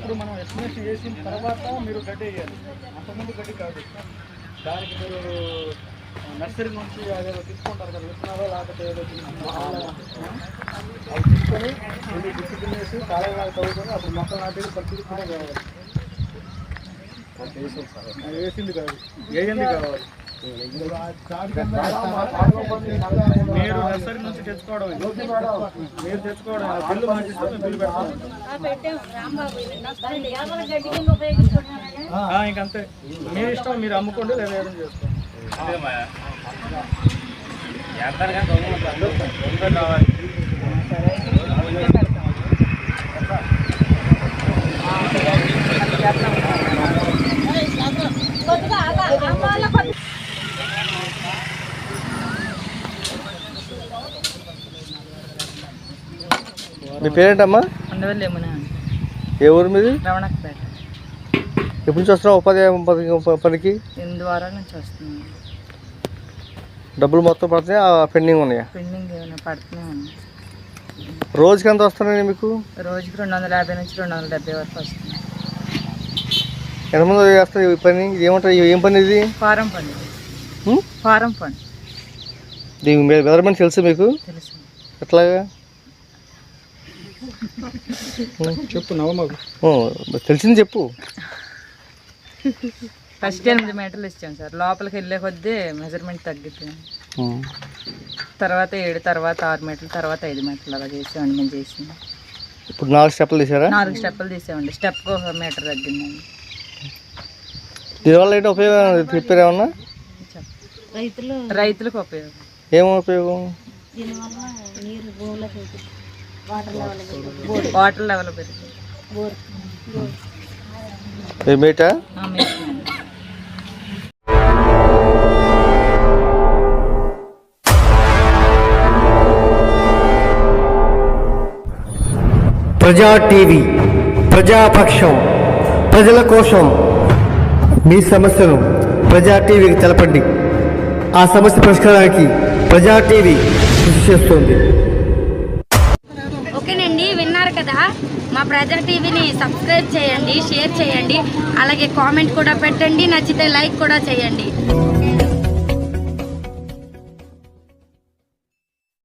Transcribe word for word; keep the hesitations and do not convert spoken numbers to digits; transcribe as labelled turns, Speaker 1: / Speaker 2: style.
Speaker 1: ఇప్పుడు మనం ఎస్టిమేషన్ చేసిన తర్వాత మీరు గడ్డి వేయాలి, అంతకుముందు గడ్డి కాదు. దానికి మీరు నర్సరీ నుంచి అదేదో తీసుకుంటారు కదా విత్తనాలు, లేకపోతే ఏదో అవి తీసుకొని మీరు డిసిప్లిన్ వేసి కాలంలాగా చదువుకొని అప్పుడు మొక్కలు నాటేది పరిస్థితి కూడా కావాలి. వేసింది కాదు, వేయండి కావాలి. మీరు నర్సరీ నుంచి తెచ్చుకోవడం, మీరు తెచ్చుకోవడం బిల్లు మార్చిస్తే మేము బిల్లు పెడతాం. ఇంకంతే మీ ఇష్టం, మీరు అమ్ముకోండి లేదా ఏదైనా చేసుకోండి. కావాలి
Speaker 2: మీ పేరేంటమ్మా?
Speaker 3: ఉండవల్లి యమున.
Speaker 2: ఏ ఊరు మీది?
Speaker 3: రవణకపేట.
Speaker 2: ఎప్పటి నుంచి వస్తున్నావు ఉపాధి పనికి?
Speaker 3: ఎనిమిది వారాల నుంచి వస్తున్నాను.
Speaker 2: డబ్బులు మొత్తం పడుతున్నాయి, పెండింగ్ ఉన్నాయా?
Speaker 3: పెండింగ్ ఏమైనా పడుతున్నాయి.
Speaker 2: రోజుకి ఎంత వస్తున్నాయి మీకు?
Speaker 3: రోజుకి రెండు వందల యాభై నుంచి రెండు వందల డెబ్బై వరకు వస్తుంది.
Speaker 2: ఎంతమంది చేస్తారు ఈ పని? ఏమంటారు, ఏం పని ఇది?
Speaker 3: ఫారం పని. ఫారం పని.
Speaker 2: దీని మెజర్మెంట్ తెలుసు మీకు?
Speaker 3: తెలుసు.
Speaker 2: ఎట్లాగా
Speaker 1: చెప్పు నవ్వు మాకు.
Speaker 2: తెలిసింది చెప్పు.
Speaker 3: ఫస్ట్ ఎనిమిది మీటర్లు ఇచ్చాం సార్. లోపలికి వెళ్ళే కొద్దీ మెజర్మెంట్ తగ్గిపోయింది. తర్వాత ఏడు, తర్వాత ఆరు మీటర్లు, తర్వాత ఐదు మీటర్లు అలా చేసామండి. మేము చేసింది
Speaker 2: ఇప్పుడు నాలుగు స్టెప్పులు తీసారా?
Speaker 3: నాలుగు స్టెప్పులు తీసామండి. స్టెప్కి ఒక మీటర్ తగ్గిందండి.
Speaker 2: దీనివల్ల ఏంటి ఉపయోగం చెప్పారు ఏమన్నా?
Speaker 3: రైతులు రైతులకు ఉపయోగం.
Speaker 2: ఏమో ఉపయోగం?
Speaker 3: వాటర్ లెవెల్ పెరుగుతుంది.
Speaker 2: మేటా?
Speaker 4: ప్రజా టీవీ, ప్రజాపక్షం, ప్రజల కోసం. మీ సమస్యను ప్రజా టీవీకి తెలపండి. ఆ సమస్య పరిష్కారానికి ప్రజా టీవీ కృషి చేస్తుంది.
Speaker 5: ఓకేనండి, విన్నారు కదా. మా ప్రజా టీవీని సబ్స్క్రైబ్ చేయండి, షేర్ చేయండి, అలాగే కామెంట్ కూడా పెట్టండి, నచ్చితే లైక్ కూడా చేయండి.